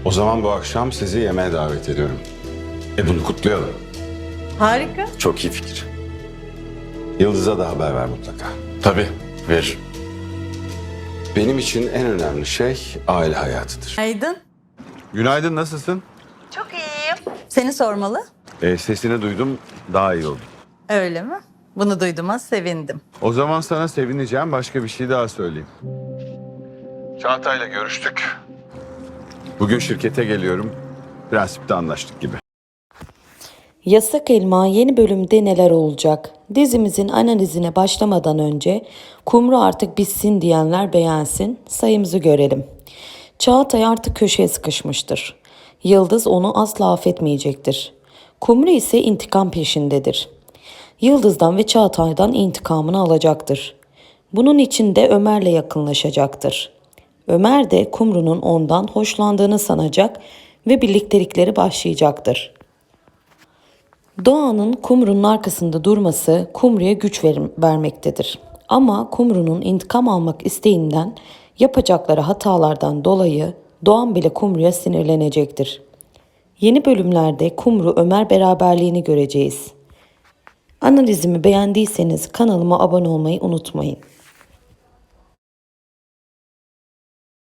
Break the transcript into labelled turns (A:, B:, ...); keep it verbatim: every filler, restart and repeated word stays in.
A: O zaman bu akşam sizi yemeğe davet ediyorum. E bunu kutlayalım.
B: Harika.
A: Çok iyi fikir. Yıldız'a da haber ver mutlaka.
C: Tabii, veririm.
A: Benim için en önemli şey aile hayatıdır.
B: Aydın.
A: Günaydın, nasılsın?
B: Çok iyiyim. Seni sormalı.
A: E, sesini duydum, daha iyi oldum.
B: Öyle mi? Bunu duyduğuma sevindim.
A: O zaman sana sevineceğim başka bir şey daha söyleyeyim. Çağatay'la görüştük. Bugün şirkete geliyorum. Prensipte anlaştık gibi.
D: Yasak Elma yeni bölümde neler olacak? Dizimizin analizine başlamadan önce Kumru artık bitsin diyenler beğensin, sayımızı görelim. Çağatay artık köşeye sıkışmıştır. Yıldız onu asla affetmeyecektir. Kumru ise intikam peşindedir. Yıldız'dan ve Çağatay'dan intikamını alacaktır. Bunun için de Ömer'le yakınlaşacaktır. Ömer de Kumru'nun ondan hoşlandığını sanacak ve birliktelikleri başlayacaktır. Doğan'ın Kumru'nun arkasında durması Kumru'ya güç ver- vermektedir. Ama Kumru'nun intikam almak isteğinden yapacakları hatalardan dolayı Doğan bile Kumru'ya sinirlenecektir. Yeni bölümlerde Kumru Ömer beraberliğini göreceğiz. Analizimi beğendiyseniz kanalıma abone olmayı unutmayın.